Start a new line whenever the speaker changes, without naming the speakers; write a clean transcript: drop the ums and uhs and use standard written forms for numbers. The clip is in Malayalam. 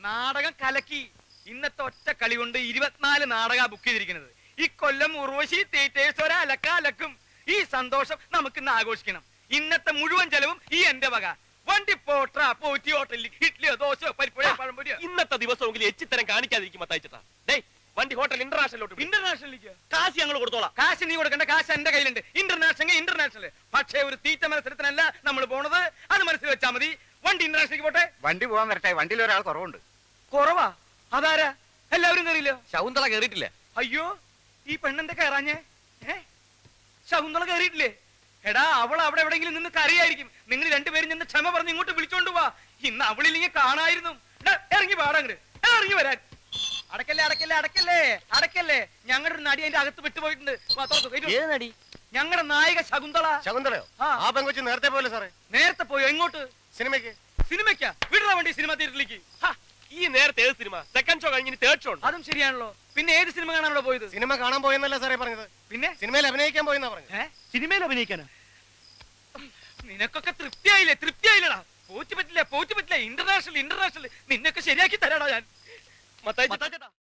നാടകം കലക്കി. ഇന്നത്തെ ഒറ്റ കളി കൊണ്ട് 24 നാടക ബുക്ക് ചെയ്തിരിക്കുന്നത്. ഈ കൊല്ലം ഉർവശി തിയേറ്റേഴ്സ് ഒരലക്കും. ഈ സന്തോഷം നമുക്ക് ഇന്ന് ആഘോഷിക്കണം. ഇന്നത്തെ മുഴുവൻ ചെലവും ഈ എന്റെ വക. വണ്ടി പോട്ട പോറ്റി ഹോട്ടലിൽ ഇഡ്ഡലിയോ ദോശയോ പരിപ്പുഴയോ പഴംപൊരിയോ.
ഇന്നത്തെ ദിവസമെങ്കിലും എച്ചിത്തരം കാണിക്കാതിരിക്കും മത്തായിച്ചേട്ടാ. വണ്ടി ഹോട്ടൽ ഇന്റർനാഷണലിലേക്ക് കാശ് ഞങ്ങൾ കൊടുത്തോളാം.
കാശ് നീ കൊടുക്കേണ്ട, കാശ് എന്റെ കയ്യിലുണ്ട്. ഇന്റർനാഷണൽ. പക്ഷേ ഒരു തീറ്റ മത്സരത്തിനല്ല നമ്മൾ പോണത്, അത് മനസ്സിൽ വെച്ചാ മതി. വണ്ടി ഇന്റർനാഷണലിലേക്ക് പോട്ടെ.
വണ്ടി പോകാൻ വരട്ടെ, വണ്ടിയിൽ ഒരാൾ കുറവുണ്ട്.
കുറവാ? അതാരാ? എല്ലാവരും കയറിയില്ലോ?
ശകുന്തള കയറിയിട്ടില്ല.
അയ്യോ, ഈ പെണ്ണെന്താ കയറാഞ്ഞേ? ശകുന്തള കയറിയിട്ടില്ലേ? എടാ, അവൾ അവിടെ എവിടെയെങ്കിലും നിന്ന് കരയായിരിക്കും. നിങ്ങൾ രണ്ടുപേരും നിന്ന് ക്ഷമ പറഞ്ഞ് ഇങ്ങോട്ട് വിളിച്ചോണ്ട് പോവാ. ഇന്ന് അവളില്ലെങ്കിൽ കാണായിരുന്നു. ഇറങ്ങി പാടങ്ങട്, ഇറങ്ങി വരാൻ. അടക്കല്ലേ. ഞങ്ങളുടെ ഒരു നടി അതിന്റെ അകത്ത് വിട്ടുപോയിട്ടുണ്ട്. ഞങ്ങളുടെ നായിക ശകുന്തള.
ശകുന്തളയോ? ആ പെങ്കൊച്ച് നേരത്തെ പോലെ സാറേ.
നേരത്തെ പോയോ? എങ്ങോട്ട്? സിനിമയ്ക്കാ? വിടുന്ന വണ്ടി സിനിമ തിയേറ്ററിലേക്ക്.
ഈ നേരത്തെ ഏത് സിനിമ? സെക്കൻഡ് ഷോ കഴിഞ്ഞ് തേർഡ് ഷോ.
അതും ശരിയാണല്ലോ. പിന്നെ ഏത് സിനിമ കാണാനല്ലോ പോയത്?
സിനിമ കാണാൻ പോയെന്നല്ല സാറേ പറഞ്ഞത്. പിന്നെ സിനിമയിൽ അഭിനയിക്കാൻ പോയെന്നാ പറഞ്ഞത്.
സിനിമയിൽ അഭിനയിക്കാനോ? നിനക്കൊക്കെ തൃപ്തിയായില്ലടാ. പോറ്റ് പറ്റില്ല. ഇന്റർനാഷണൽ. നിന്നൊക്കെ ശരിയാക്കി തരാടാ ഞാൻ.
മത്തായി ചേട്ടാ.